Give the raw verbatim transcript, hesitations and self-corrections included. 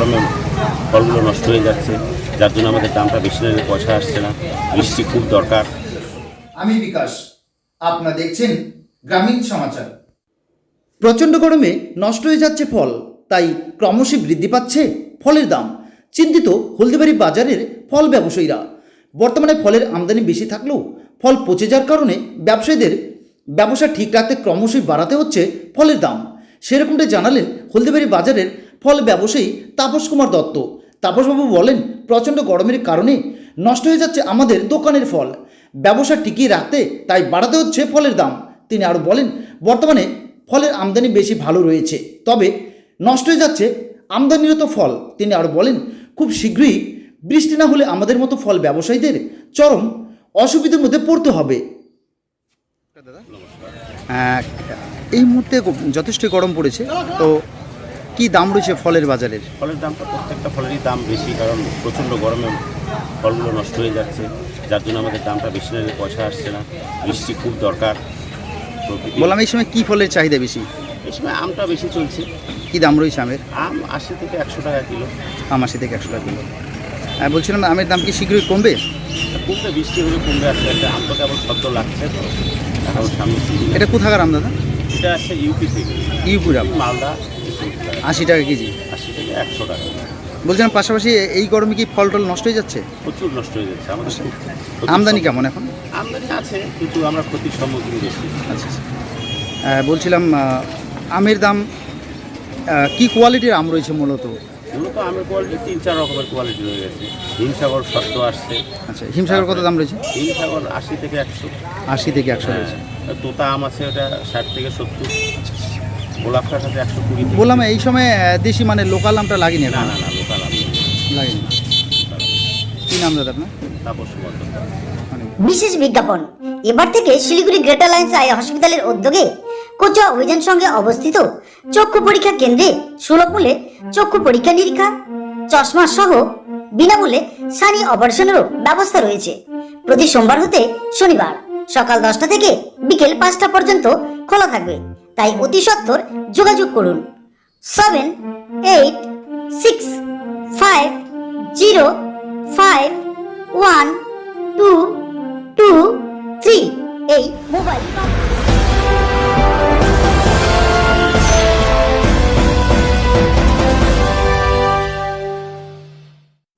গরমে ফলগুলো নষ্ট হয়ে যাচ্ছে, যার জন্য আমাদের দামটা বেশি নিলে পয়সা আসছে না। বৃষ্টি খুব দরকার। আমি বিকাশ, আপনারা দেখছেন গ্রামীণ সমাচার। প্রচণ্ড গরমে নষ্ট হয়ে যাচ্ছে ফল, তাই ক্রমশই বৃদ্ধি পাচ্ছে ফলের দাম। চিন্তিত হলদিবাড়ি বাজারের ফল ব্যবসায়ীরা। বর্তমানে ফলের আমদানি বেশি থাকলেও ফল পচে যাওয়ার কারণে ব্যবসায়ীদের ব্যবসা ঠিক রাখতে ক্রমশই বাড়াতে হচ্ছে ফলের দাম। সেরকমটাই জানালেন হলদিবাড়ি বাজারের ফল ব্যবসায়ী তাপস কুমার দত্ত। তাপসবাবু বলেন, প্রচণ্ড গরমের কারণে নষ্ট হয়ে যাচ্ছে আমাদের দোকানের ফল, ব্যবসা টিকিয়ে রাখতে তাই বাড়াতে হচ্ছে ফলের দাম। তিনি আরও বলেন, বর্তমানে ফলের আমদানি বেশি ভালো রয়েছে, তবে নষ্ট হয়ে যাচ্ছে আমদানিরত ফল। তিনি আরও বলেন, খুব শীঘ্রই বৃষ্টি না হলে আমাদের মতো ফল ব্যবসায়ীদের চরম অসুবিধার মধ্যে পড়তে হবে। এই মুহূর্তে যথেষ্ট গরম পড়েছে, তো কি দাম রয়েছে ফলের বাজারের? ফলের দামটা প্রত্যেকটা ফলেরই দাম বেশি, কারণ প্রচণ্ড গরমে ফলগুলো নষ্ট হয়ে যাচ্ছে, যার জন্য আমাদের দামটা বেশি নিলে পয়সা আসছে না। বৃষ্টি খুব দরকার। বললাম, এই সময় কি ফলের চাহিদা বেশি? এই সময় আমটা বেশি চলছে। কি দাম রয়েছে আমের? আম আশি থেকে একশো টাকা কিলো। আম আশি থেকে একশো টাকা কিলো। বলছিলাম, আমের দাম কি শীঘ্রই কমবে? কমবে, বৃষ্টি হলে কমবে। আসলে একটা আম তো কেবল শব্দ লাগছে, তো এখন সামনে। এটা কোথাকার আম দাদা? এটা আসছে ইউপি থেকে। ইউপির আম মালদা আশি টাকা কেজি। আশি থেকে একশো টাকা। বলছিলাম, পাশাপাশি এই গরমে কি ফল টল নষ্ট হয়ে যাচ্ছে? প্রচুর নষ্ট হয়ে যাচ্ছে আমাদের। আমদানি কেমন এখন? আমদানি আছে, কিন্তু আমরা ক্ষতির সম্মুখীন বেশি। আচ্ছা আচ্ছা। বলছিলাম, আমের দাম কি কোয়ালিটির আম রয়েছে মূলত? মূলত আমের কোয়ালিটি তিন চার রকমের কোয়ালিটি রয়ে গেছে। হিমসাগর শক্ত আসছে। আচ্ছা, হিমসাগর কত দাম রয়েছে? হিমসাগর আশি থেকে একশো। আশি থেকে একশো রয়েছে। তোতা আম আছে, ওটা ষাট থেকে সত্তর। গোলাপ খাট আছে একশো কুড়ি। বললাম, এই সময় দেশি মানে লোকাল আমটা লাগেনি? না না না, লোকাল আম লাগেনি। কি নাম দাদা আপনার? তাপস কুমার দত্ত। বিশেষ বিজ্ঞাপন। এবার থেকে শিলিগুড়ি গ্রেটার লাইন্স আই হসপিটালের উদ্যোগে কোচুয়া অভিযান সঙ্গে অবস্থিত চক্ষু পরীক্ষা কেন্দ্রে সুলভ মূল্যে চক্ষু পরীক্ষা নিরীক্ষা, চশমা সহ বিনামূল্যে সানি অপারেশনেরও ব্যবস্থা রয়েছে। প্রতি সোমবার হতে শনিবার সকাল দশটা থেকে বিকেল পাঁচটা পর্যন্ত খোলা থাকবে, তাই অতি সত্বর যোগাযোগ করুন seven eight six five zero five one